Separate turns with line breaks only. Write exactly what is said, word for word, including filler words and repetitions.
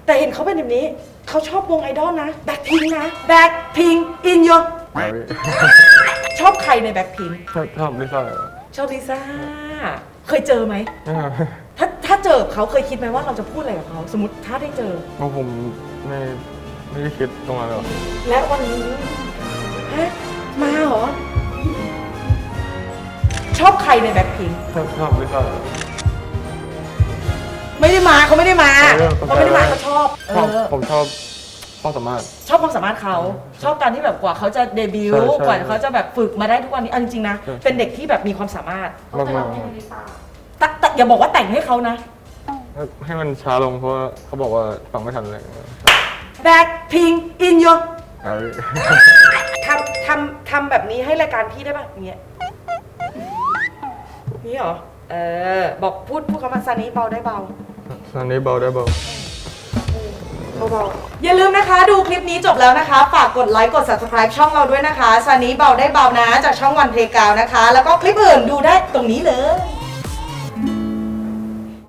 แต่เห็นเขาเป็นแบบนี้เขาชอบวงไอดอลนะแบ็คพิงนะแบ็คพิงอินโยชอบใครในแบ็คพิง
ชอบชอบลิซ่า
ชอบลิซ่าเคยเจอไหมถ้าถ้าเจอเขาเคยคิดไหมว่าเราจะพูดอะไรกับเขาสมมติถ้าได้เจอ
เพราะผมไม่ไม่ได้คิดตรงนั้นหรอก
และวันนี้ฮะมาเหรอชอบใครในแบ็คพิง
ชอบชอบลิซ่า
ไม่ได้มาเขาไม่ได้มา
เออ
เขาไม่ได้มาเขาชอบเอ
ชอบ
อ
ผมชอบความสามารถ
ชอบความสามารถเขาชอบการที่แบบกว่าเขาจะเดบิว
ใช่
ต์
ใช่
กว่าเขาจะแบบฝึกมาได้ทุกวันนี้เอาจริงๆนะ
ใช่
เป็นเด็กที่แบบมีความสามารถ
มากมาก
แต่แต่อย่าบอกว่าแต่งให้เขานะ
ให้มันช้าลงเพราะว่าเขาบอกว่าฟังไม่ทันเลย
แบ็คพิงอินโย
เอา
ทำทำทำแบบนี้ให้รายการพี่ได้ป่ะอย่างเงี้ยนี่เหรอเออบอกพูดพูดคำว่าซานี้เบาได้เบา
ตอนนี้เบาได้เบา
เบาๆอย่าลืมนะคะดูคลิปนี้จบแล้วนะคะ ฝากกดไลค์กด ซับสไครบ์ ช่องเราด้วยนะคะซานี้เบาได้เบานะจากช่องวันเพลย์กราวด์นะคะ แล้วก็คลิปอื่นดูได้ตรงนี้เลย